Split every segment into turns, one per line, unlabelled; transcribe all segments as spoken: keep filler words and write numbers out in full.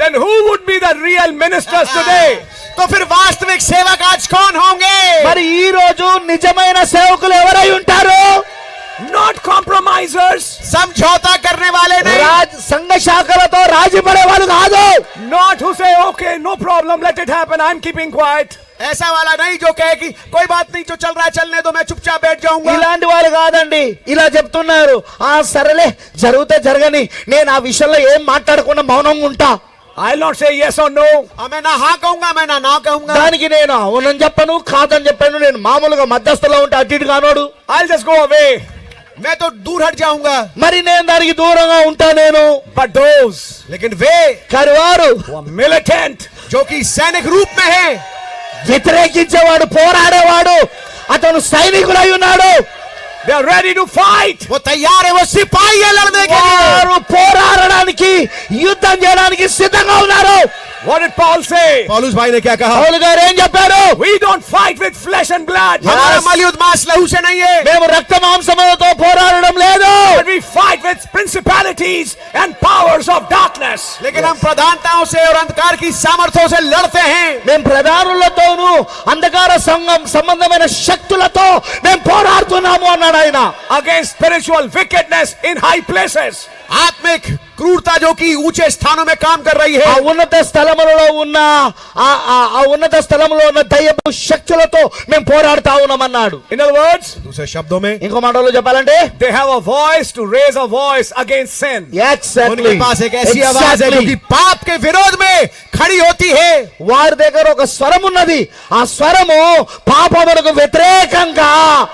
then who would be the real ministers today?
तो फिर वास्तविक सेवक आज कौन होंगे?
మరి ఈ రోజు నిజమైన సేవకులు ఎవరై ఉంటారు?
Not compromisers,
समझौता करने वाले नहीं,
రాజ్ సంఘ శాఖలతో రాజీ పడే వాళ్ళు కాదు.
not who say, okay, no problem, let it happen, I'm keeping quiet.
ऐसा वाला नहीं जो कहे कि कोई बात नहीं, जो चल रहा है चलने दो, मैं चुपचाप बैठ जाऊंगा.
ఇలాంటి వాళ్ళు కాదండి. ఇలా చెప్తున్నారు, ఆ సరేలే జరిగితే జరగని, నేను ఆ విషయంలో ఏం మాట్లాడకుండా మౌనంగా ఉంటా.
I'll not say yes or no.
मैं ना हाँ कहूंगा, मैं ना ना कहूंगा.
దానికి నేను అవునని చెప్పను, కాదని చెప్పాను. నేను మామూలుగా మధ్యస్థలో ఉంటే అటు ఇటు కానోడు.
I'll just go away.
मैं तो दूर हट जाऊंगा.
మరి నేను దానికి దూరంగా ఉంటా నేను.
But those
लेकिन वे
కరువారు
who are militant,
जो कि सैनिक रूप में है,
వ్యతిరేకించేవాడు, పోరాడేవాడు, అతను సైనికుడై ఉన్నాడు.
they are ready to fight.
वो तैयार है, वो सिपाही है लड़ने के लिए.
వారు పోరాడడానికి, యుద్ధం చేయడానికి సిద్ధంగా ఉన్నారు.
What did Paul say?
पौलुस भाई ने क्या कहा?
పౌలు గారు ఏం చెప్పారు?
We don't fight with flesh and blood,
हमारा मलयुद्ध मांस लहू से नहीं है,
మేము రక్త మాంసములతో పోరాడడం లేదు.
but we fight with principalities and powers of darkness.
लेकिन हम प्रधानताओं से और अंधकार की सामर्थ्यों से लड़ते हैं.
మేము ప్రధానులతోనూ అంధకార సంఘం సంబంధమైన శక్తులతో మేము పోరాడుతున్నాము అన్నాడు ఆయన.
Against spiritual wickedness in high places.
आत्मिक क्रूरता जो कि ऊंचे स्थानों में काम कर रही
ఆ
है,
ఉన్నత స్థలములలో ఉన్న ఆ ఆ- ఆ ఉన్నత స్థలములో ఉన్న దయ్యపు శక్తులతో మేము పోరాడుతా ఉన్నామన్నాడు.
In other words,
दूसरे शब्दों में
ఇంకో మాటలో చెప్పాలంటే
they have a voice to raise a voice against sin.
उनके पास एक ऐसी आवाज है जो कि पाप के विरोध में खड़ी होती है.
వారి దగ్గర ఒక స్వరం ఉన్నది. ఆ స్వరము పాపమునకు వ్యతిరేకంగా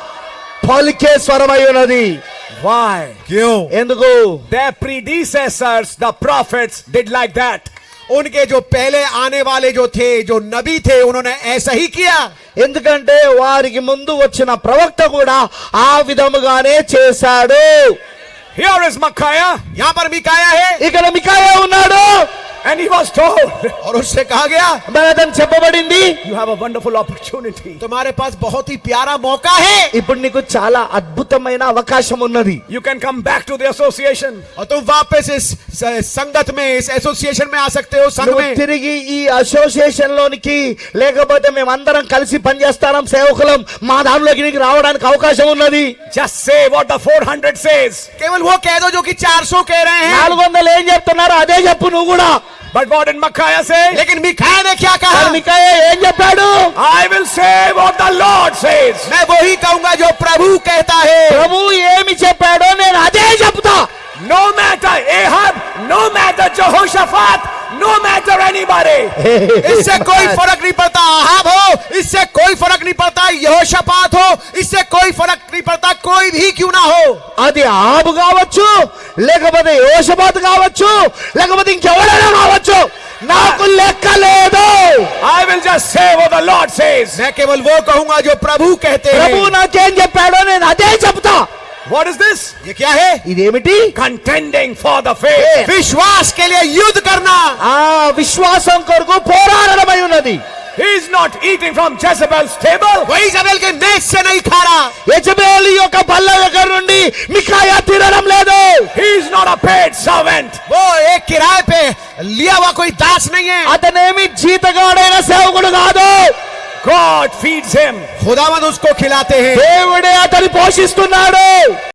పలికే స్వరమై ఉన్నది.
Why?
क्यों?
ఎందుకు?
Their predecessors, the prophets, did like that.
उनके जो पहले आने वाले जो थे, जो नबी थे, उन्होंने ऐसा ही किया.
ఎందుకంటే వారికి ముందు వచ్చిన ప్రవక్త కూడా ఆ విధముగానే చేశాడు.
Here is Micaiah,
यहाँ पर मिकाया है
ఇక్కడ మికాయా ఉన్నాడు.
and he was told,
और उससे कहा गया,
మరి అతను చెప్పబడింది,
you have a wonderful opportunity.
तुम्हारे पास बहुत ही प्यारा मौका है,
ఇప్పుడు నీకు చాలా అద్భుతమైన అవకాశం ఉన్నది.
You can come back to the association.
और तुम वापस इस स- संगत में, इस एसोसिएशन में आ सकते हो, संघ
నువ్వు
में.
తిరిగి ఈ అసోసియేషన్ లోనికి, లేకపోతే మేమందరం కలిసి పనిచేస్తాం, సేవకులం, మా దానిలోకి నీకు రావడానికి అవకాశం ఉన్నది.
Just say what the four hundred says.
केवल वो कह दो जो कि चार सौ कह रहे हैं.
నాలుగు వందలు ఏం చెప్తున్నారు అదే చెప్పు నువ్వు కూడా.
But what did Micaiah say?
लेकिन मिकाया ने क्या कहा?
మరి మికాయా ఏం చెప్పాడు?
I will say what the Lord says.
मैं वही कहूंगा जो प्रभु कहता है.
ప్రభు ఏమి చెప్పాడో నేను అదే చెప్తా.
No matter Ahab, no matter Jehoshaphat, no matter anybody.
इससे कोई फर्क नहीं पड़ता आहाब हो, इससे कोई फर्क नहीं पड़ता यहोशापात हो, इससे कोई फर्क नहीं पड़ता कोई भी क्यों ना हो.
అది ఆబు కావచ్చు, లేకపోతే యోషబాత్ కావచ్చు, లేకపోతే ఇంకెవరైనా కావచ్చు, నాకు లెక్క లేదు.
I will just say what the Lord says.
मैं केवल वो कहूंगा जो प्रभु कहते
ప్రభు
हैं.
నాకేం చెప్పాడో నేను అదే చెప్తా.
What is this?
ये क्या है?
ఇదేమిటి?
Contending for the faith.
विश्वास के लिए युद्ध करना.
ఆ విశ్వాసం కొరకు పోరాడమై ఉన్నది.
He is not eating from Jezebel's table.
वही जबेल के मेज से नहीं खा रहा.
యెజబెలు యొక్క బల్ల దగ్గర నుండి మికాయా తినడం లేదు.
He is not a paid servant.
वो एक किराए पे लिया हुआ कोई दास नहीं है.
అతనేమి జీతగాడైన సేవకుడు కాదు.
God feeds him.
खुदावंद उसको खिलाते हैं.
దేవుడే అతని పోషిస్తున్నాడు.